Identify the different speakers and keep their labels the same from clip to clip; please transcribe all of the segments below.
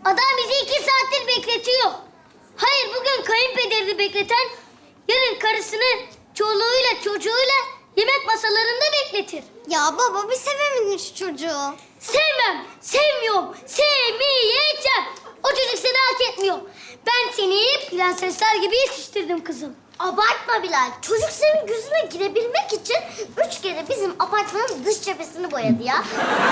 Speaker 1: Adam bizi 2 saattir bekletiyor. Hayır, bugün kayınpederini bekleten yarın karısını çoluğuyla çocuğuyla yemek masalarında bekletir.
Speaker 2: Ya baba bir sevemedin şu çocuğu.
Speaker 1: Sevmem, sevmiyorum, sevmeyeceğim. O çocuk seni hak etmiyor. Ben seni prensesler gibi yetiştirdim kızım.
Speaker 2: Abartma Bilal. Çocuk senin gözüne girebilmek için 3 kere bizim apartmanın dış cephesini boyadı ya.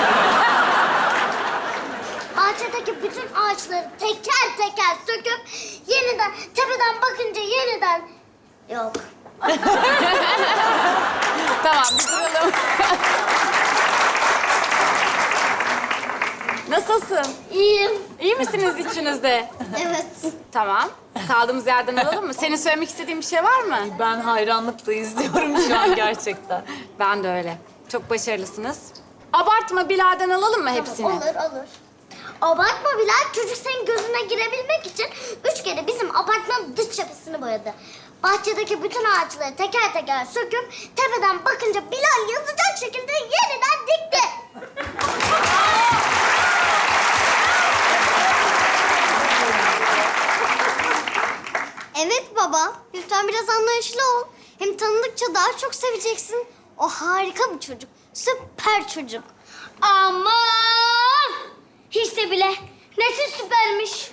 Speaker 2: Bahçedeki bütün ağaçları teker teker söküp yeniden tepeden bakınca yeniden... Yok.
Speaker 3: Tamam, bir duralım. Nasılsın?
Speaker 2: İyiyim.
Speaker 3: İyi misiniz içinizde?
Speaker 2: Evet.
Speaker 3: Tamam. Kaldığımız yerden alalım mı? Senin söylemek istediğin bir şey var mı?
Speaker 4: Ben hayranlıkla izliyorum şu an gerçekten.
Speaker 3: Ben de öyle. Çok başarılısınız. Abartma Bilal'den alalım mı hepsini?
Speaker 2: Olur, olur. Abartma Bilal. Çocuk senin gözüne girebilmek için 3 kere bizim apartmanın dış cephesini boyadı. Bahçedeki bütün ağaçları teker teker söküp tepeden bakınca Bilal yazacak şekilde yeniden dikti. Evet baba. Lütfen biraz anlayışlı ol. Hem tanıdıkça daha çok seveceksin. O harika bir çocuk. Süper çocuk.
Speaker 1: Aman! Hiç de bile. Nesi süpermiş.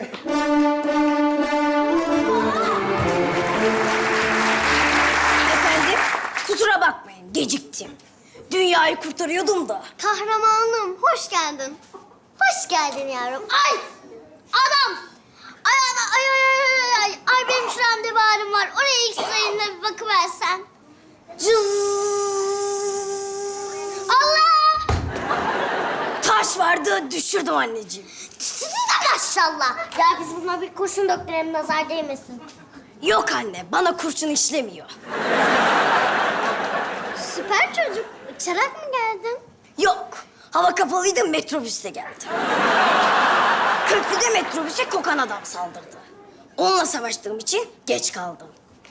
Speaker 5: Efendim, kusura bakmayın, geciktim. Dünyayı kurtarıyordum da.
Speaker 2: Kahramanım, hoş geldin. Hoş geldin yavrum. Ay! Adam! Ay, ay, ay, ay, ay, ay. Ay benim şuramda bir ağrım var. Oraya X-ray'ine bir bakıversen. Allah!
Speaker 5: Taş vardı, düşürdüm anneciğim.
Speaker 2: Maşallah. Ya biz buna bir kurşun döktürelim, nazar değmesin.
Speaker 5: Yok anne, bana kurşun işlemiyor.
Speaker 2: Süper çocuk. Uçarak mı geldin?
Speaker 5: Yok, hava kapalıydı, metrobüste geldim. Köprüde metrobüse kokan adam saldırdı. Onunla savaştığım için geç kaldım.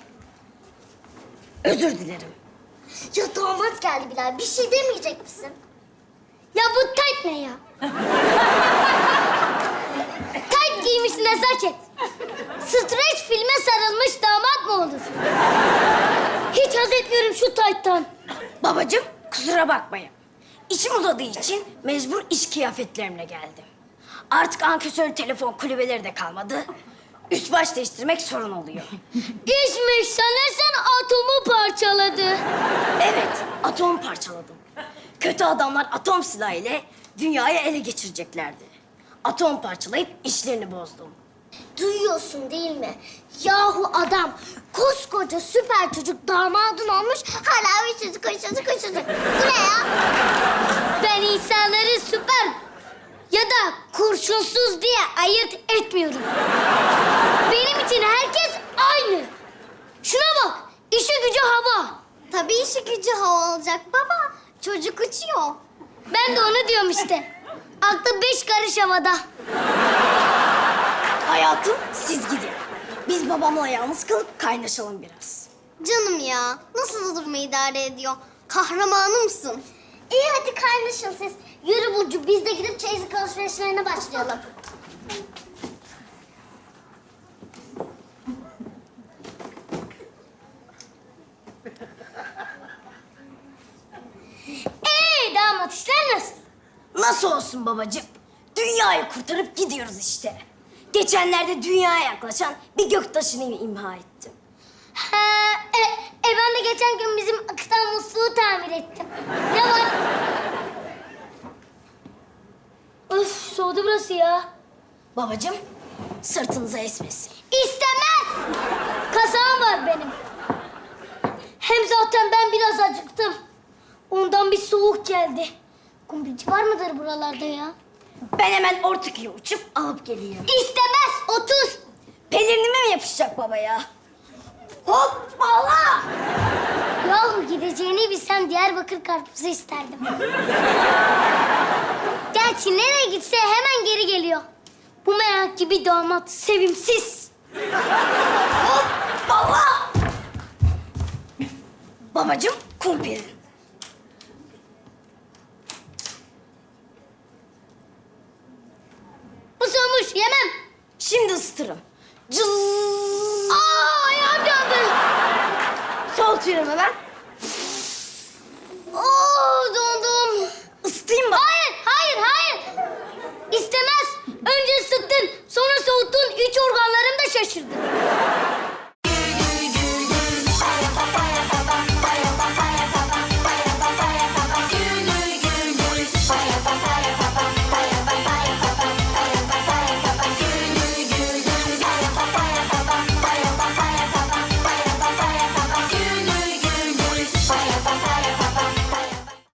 Speaker 5: Özür dilerim.
Speaker 2: Ya damat geldi Bilal. Bir şey demeyecek misin?
Speaker 1: Ya bu tayt ne ya? Tayt giymiş nezaket. Streç filme sarılmış damat mı olur? Hiç haz etmiyorum şu tayttan.
Speaker 5: Babacığım, kusura bakmayın. İçim uzadığı için mecbur iş kıyafetlerimle geldim. Artık ankesör telefon kulübeleri de kalmadı. Üst baş değiştirmek sorun oluyor.
Speaker 1: İşmiş sanırsan atomu parçaladı.
Speaker 5: Evet, atom parçaladım. Kötü adamlar atom silahı ile dünyayı ele geçireceklerdi. Atom parçalayıp işlerini bozdum.
Speaker 2: Duyuyorsun değil mi? Yahu adam koskoca süper çocuk damadın olmuş hala üşüdü koşudu. Bu ne ya?
Speaker 1: Ben insanları süper ya da kurşunsuz diye ayırt etmiyorum. Benim için herkes aynı. Şuna bak, işi gücü hava.
Speaker 2: Tabii işi gücü hava olacak baba. Çocuk uçuyor.
Speaker 1: Ben de onu diyorum işte. Aklı 5 karış havada.
Speaker 5: Hayatım, siz gidin. Biz babamla yalnız kalıp kaynaşalım biraz.
Speaker 2: Canım ya nasıl duruma idare ediyor? Kahramanımsın. İyi hadi kaynaşın siz. Yürü Burcu biz de gidip çeyizlik alışverişlerine başlayalım.
Speaker 1: Damat işler nasıl?
Speaker 5: Nasıl olsun babacığım? Dünyayı kurtarıp gidiyoruz işte. Geçenlerde dünyaya yaklaşan bir göktaşını imha ettim.
Speaker 1: Ben de geçen gün bizim akıtan musluğu tamir ettim. Ne var? Öf, soğudu burası ya.
Speaker 5: Babacığım, sırtınıza esmesin.
Speaker 1: İstemez. Kasağım var benim. Hem zaten ben biraz acıktım. Ondan bir soğuk geldi. Kumbilci var mıdır buralarda ya?
Speaker 5: Ben hemen Ortaköy'e uçup alıp geleyim.
Speaker 1: İstemez, otur.
Speaker 5: Pelerinime mi yapışacak baba ya? Hoppala!
Speaker 1: Yahu gideceğini bilsem Diyarbakır karpuzu isterdim. Gerçi nereye gitse hemen geri geliyor. Bu merak gibi damat sevimsiz.
Speaker 5: Hoppala! Babacığım, kumpirin.
Speaker 1: Bu soğumuş. Sus yemem.
Speaker 5: Şimdi ısıtırım. Cız.
Speaker 1: Aa ayağım yandı.
Speaker 5: Soğutuyorum hemen.